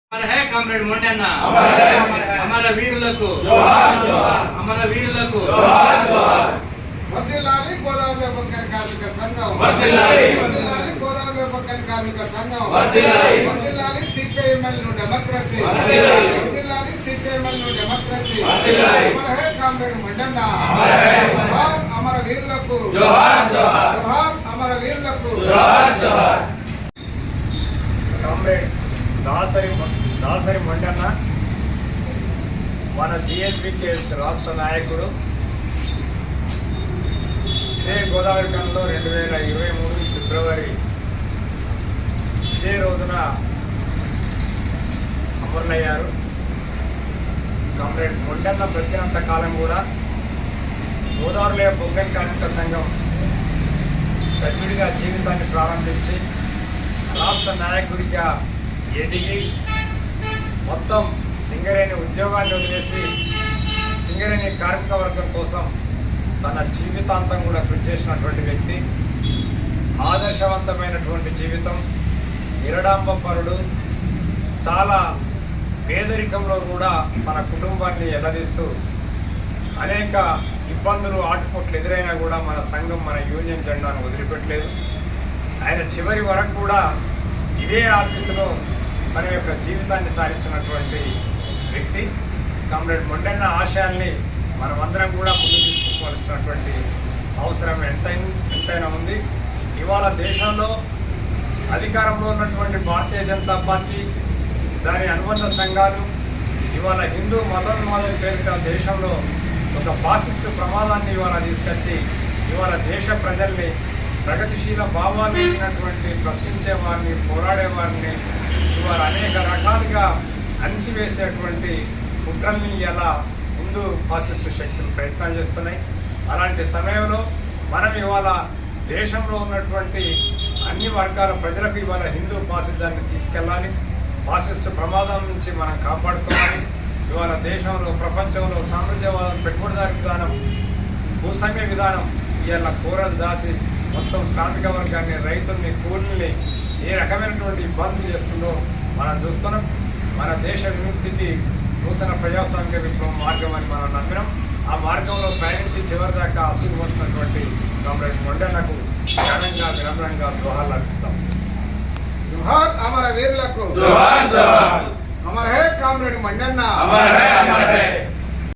అమర high comrade మొండన్న, అమర వీరులకు అమర వీరులకు. వర్ధిల్లాలి గోదావరి వ్యాపకన్ కార్మిక సంఘం, వర్ధిల్లాలి గోదావరి వ్యాపకన్ కార్మిక సంఘం, వర్ధిల్లాలి సిపిఐఎంఎల్ ను డెమోక్రసీ, వర్ధిల్లాలి సిపిఐఎంఎల్ ను డెమోక్రసీ. అమర హై కామ్రేడ్ మొండన్న, జోహార్ అమర వీరులకు, జోహార్ అమర వీరులకు. కామ్రేడ్ దాసరి మొండన్న మన జిఎస్బికేఎస్ రాష్ట్ర నాయకుడు. ఇదే గోదావరి కన్లో 2023 ఫిబ్రవరి ఇదే రోజున అమరులయ్యారు. కామ్రేడ్ మొండన్న బ్రతికినంత కాలం కూడా గోదావరిలో బొగ్గన్ కార్మిక సంఘం సభ్యుడిగా జీవితాన్ని ప్రారంభించి రాష్ట్ర నాయకుడిగా ఎదిగి మొత్తం సింగరేణి ఉద్యోగాన్ని వదిలేసి సింగరేణి కార్మిక వర్గం కోసం తన జీవితాంతం కూడా కృషి చేసినటువంటి వ్యక్తి. ఆదర్శవంతమైనటువంటి జీవితం, నిరడాంబపరుడు, చాలా పేదరికంలో కూడా తన కుటుంబాన్ని ఎల్లదీస్తూ అనేక ఇబ్బందులు ఆటుపోట్లు ఎదురైనా కూడా మన సంఘం మన యూనియన్ జెండాను వదిలిపెట్టలేదు. ఆయన చివరి వరకు కూడా ఇదే ఆఫీసులో తన యొక్క జీవితాన్ని సాగించినటువంటి వ్యక్తి. కామ్రేడ్ మొండన్న ఆశయాల్ని మనమందరం కూడా ముందు తీసుకోవాల్సినటువంటి అవసరం ఎంతైనా ఉంది. ఇవాళ దేశంలో అధికారంలో ఉన్నటువంటి భారతీయ జనతా పార్టీ, దాని అనుబంధ సంఘాలు ఇవాళ హిందూ మతోన్మాదం పేరిట దేశంలో ఒక ఫాసిస్టు ప్రమాదాన్ని ఇవాళ తీసుకొచ్చి ఇవాళ దేశ ప్రజల్ని ప్రగతిశీల భావాలు ఇచ్చినటువంటి ప్రశ్నించే వారిని, పోరాడే వారిని ఇవాళ అనేక రకాలుగా అణిసివేసేటువంటి కుట్రల్ని ఇలా ముందు ఫాసిస్టు శక్తులు ప్రయత్నాలు చేస్తున్నాయి. అలాంటి సమయంలో మనం ఇవాళ దేశంలో ఉన్నటువంటి అన్ని వర్గాల ప్రజలకు ఇవాళ హిందూ ఫాసిజాన్ని తీసుకెళ్ళాలి, ఫాసిస్టు ప్రమాదం నుంచి మనం కాపాడుకోవాలి. ఇవాళ దేశంలో ప్రపంచంలో సామ్రాజ్యవాదం, పెట్టుబడిదారి విధానం, భూస్వామ్య విధానం ఇవాళ కూరలు దాచి మొత్తం శ్రామిక వర్గాన్ని, రైతుల్ని, కూలీల్ని ఏ రకమైనటువంటి ఇబ్బందులు చేస్తుందో మనం చూస్తున్నాం. మన దేశ విముక్తికి నూతన ప్రజాస్వామిక విప్లవం మార్గం అని మనం నమ్మినాం. ఆ మార్గంలో ప్రయాణించి చివరిదాకా అసలు వచ్చినటువంటి కామ్రేడ్ మొండన్నకు ఘనంగా వినమ్రంగా జోహార్లు అర్పిస్తాం. జోహార్ అమర వీరులకు, అమర హై కామ్రేడ్ మొండన్న.